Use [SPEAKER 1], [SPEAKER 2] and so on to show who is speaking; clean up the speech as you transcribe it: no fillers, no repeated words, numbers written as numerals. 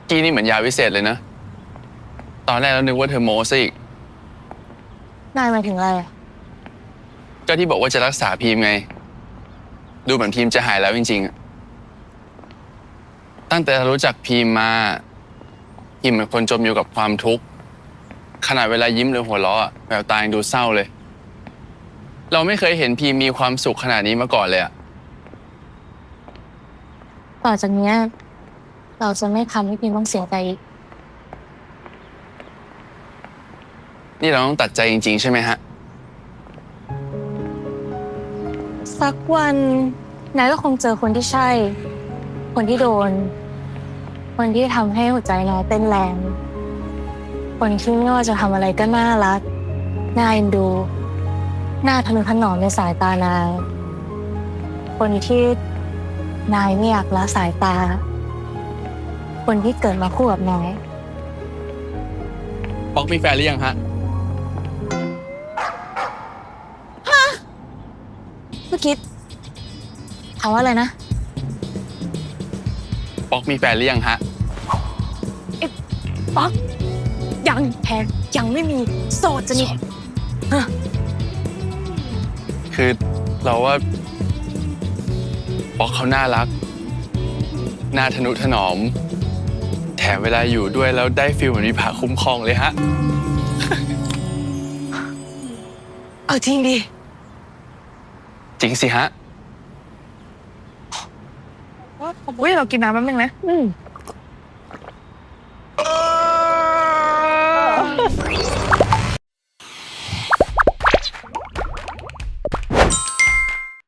[SPEAKER 1] กี้นี่เหมือนยาวิเศษเลยนะตอนแรกเรานึกว่าเธอโม้ซะอีก
[SPEAKER 2] นายหมายถึงอะไร
[SPEAKER 1] ก็ที่บอกว่าจะรักษาพีมไงดูเหมือนพีมจะหายแล้วจริงๆอะตั้งแต่รู้จักพีมมาพีมเป็นคนจมอยู่กับความทุกข์ขนาดเวลายิ้มหรือหัวเราะแววตายังดูเศร้าเลยเราไม่เคยเห็นพีมมีความสุขขนาดนี้มาก่อนเลยอะ
[SPEAKER 2] ต่อจากเนี้ยเราจะไม่ทำให้พิมต้องเสียใจอีก
[SPEAKER 1] นี่เราต้องตัดใจจริงๆใช่ไหมฮะ
[SPEAKER 2] สักวันนายก็คงเจอคนที่ใช่ คนที่โดน คนที่ทำให้หัวใจนายเต้นแรง คนที่ไม่ว่าจะทำอะไรก็น่ารักน่าเอ็นดูน่าทะนุถนอมในสายตานายคนที่นายไม่อยากละสายตา คนที่เกิดมาคู่กับนาย
[SPEAKER 1] ป๊อกมีแฟนหรือยังฮะ
[SPEAKER 2] เมื่อกี้ถามว่าอะไรนะ
[SPEAKER 1] ป๊อกมีแฟนหรือยังฮะ
[SPEAKER 2] ป๊อกยังแพนยังไม่มีโสดจะนี่ฮะ
[SPEAKER 1] คือเราว่าป๊อกเขาน่ารักน่าทะนุถนอมแถมเวลาอยู่ด้วยแล้วได้ฟีลเหมือนมีผาคุ้มครองเลยฮะ
[SPEAKER 2] เอาจริงดิ
[SPEAKER 1] จริงสิฮะ
[SPEAKER 3] อุ้ยเรากินน้ำแป๊บนึงนะ